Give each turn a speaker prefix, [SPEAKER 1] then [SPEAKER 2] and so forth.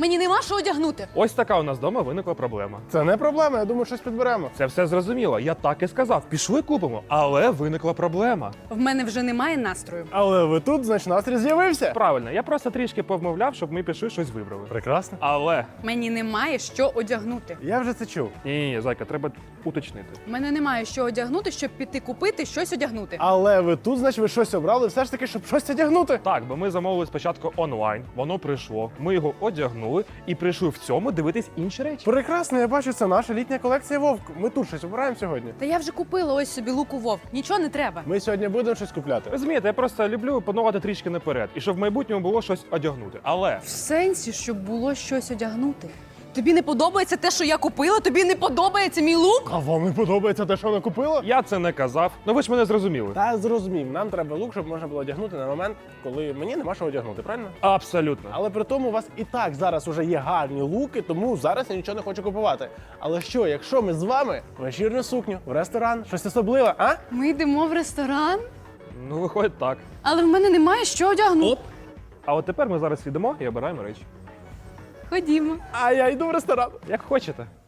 [SPEAKER 1] Мені нема що одягнути.
[SPEAKER 2] Ось така у нас вдома виникла проблема.
[SPEAKER 3] Це не проблема, я думаю, щось підберемо.
[SPEAKER 2] Це все зрозуміло. Я так і сказав. Пішли купимо. Але виникла проблема.
[SPEAKER 1] В мене вже немає настрою.
[SPEAKER 3] Але ви тут, значить, настрій з'явився.
[SPEAKER 2] Правильно, я просто трішки повмовляв, щоб ми пішли щось вибрали.
[SPEAKER 3] Прекрасно.
[SPEAKER 2] Але
[SPEAKER 1] Мені немає що одягнути.
[SPEAKER 3] Я вже це чув.
[SPEAKER 2] ні, зайка, треба уточнити.
[SPEAKER 1] В мене немає що одягнути, щоб піти купити щось одягнути.
[SPEAKER 3] Але ви тут, значить, ви щось обрали все ж таки, щоб щось одягнути.
[SPEAKER 2] Так, бо ми замовили спочатку онлайн, воно прийшло, ми його одягнули і прийшли в цьому дивитись інші речі.
[SPEAKER 3] Прекрасно, я бачу, це наша літня колекція Вовк. Ми тут щось обираємо сьогодні.
[SPEAKER 1] Та я вже купила ось собі луку вовк. Нічого не треба.
[SPEAKER 3] Ми сьогодні будемо щось купляти.
[SPEAKER 2] Розумієте, я просто люблю планувати трішки наперед, і щоб в майбутньому було щось одягнути. Але
[SPEAKER 1] В сенсі, щоб було щось одягнути. Тобі не подобається те, що я купила? Тобі не подобається мій лук?
[SPEAKER 3] А вам не подобається те, що вона купила?
[SPEAKER 2] я це не казав. Ну ви ж мене зрозуміли.
[SPEAKER 3] Та зрозумів, нам треба лук, щоб можна було одягнути на момент, коли мені нема що одягнути, правильно?
[SPEAKER 2] Абсолютно.
[SPEAKER 3] Але при тому у вас і так зараз уже є гарні луки, тому зараз я нічого не хочу купувати. Але що, якщо ми з вами в вечірню сукню, в ресторан, щось особливе, а?
[SPEAKER 1] Ми йдемо в ресторан,
[SPEAKER 2] Ну, виходить так.
[SPEAKER 1] але в мене немає що одягнути.
[SPEAKER 2] А от тепер ми зараз йдемо і обираємо речі.
[SPEAKER 1] Ходімо.
[SPEAKER 3] А я йду в ресторан.
[SPEAKER 2] Як хочете.